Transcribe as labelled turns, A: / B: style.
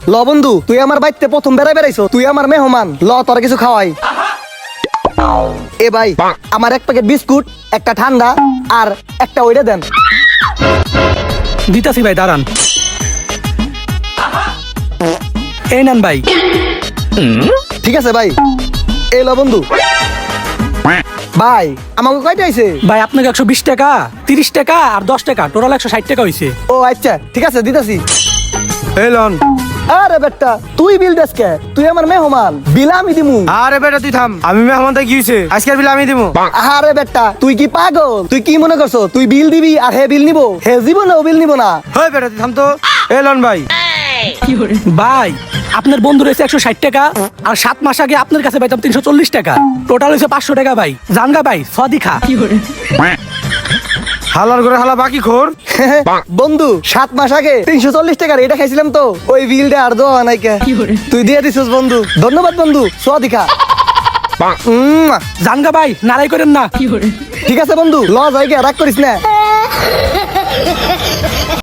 A: ল বন্ধু, তুই আমার বাড়িতে প্রথম বেড়াইছো, তুই আমার মেহমান, ল তোর কিছু খাওয়াই। এ ভাই, আমার এক প্যাকেট বিস্কুট, একটা ঠান্ডা আর একটা ওইটা দেন।
B: দিতাছি ভাই, দাঁড়ান। এই নেন ভাই।
A: ঠিক আছে ভাই, এই ল বন্ধু। ভাই আমাকে কয়টা আইছে?
B: ভাই আপনাকে 120 টাকা, 30 টাকা আর 10 টাকা, টোটাল 160 টাকা হয়েছে।
A: ও আচ্ছা, ঠিক আছে দিতাছি।
C: এই লন।
A: আরে বেটা, তুই বিল দেস কে? তুই আমার মেহমান, বিল আমি দিমু।
C: আরে বেটা তুই থাম, আমি মেহমান তাই কি হইছে? আজকের বিল আমি দিব।
A: আরে বেটা, তুই কি পাগল? তুই কি মনে করছো তুই বিল দিবি আর হে বিল নিবো? হে জীবনে ও বিল নিবো না।
C: হই বেটা তুই থাম তো। এই লন ভাই।
B: ভাই আপনার বন্ধু রয়েছে 160 টাকা, আর 7 মাস আগে আপনার কাছে পাইতাম 340 টাকা, টোটাল হয়েছে 500 টাকা। ভাই জানগা ভাই, সদি খা।
C: হালার করে হালা বাকি খোর।
A: বন্ধু 7 মাস আগে 340 টাকার এটা খাইছিলাম তো, ওই বিলটা আর দেওয়া নাই কে? তুই দিয়ে দিছিস বন্ধু, ধন্যবাদ বন্ধু। সোয়াদিকা।
B: জানগা ভাই, নারাই করেন না।
A: ঠিক আছে বন্ধু, ল জায়গা রাগ করিস না।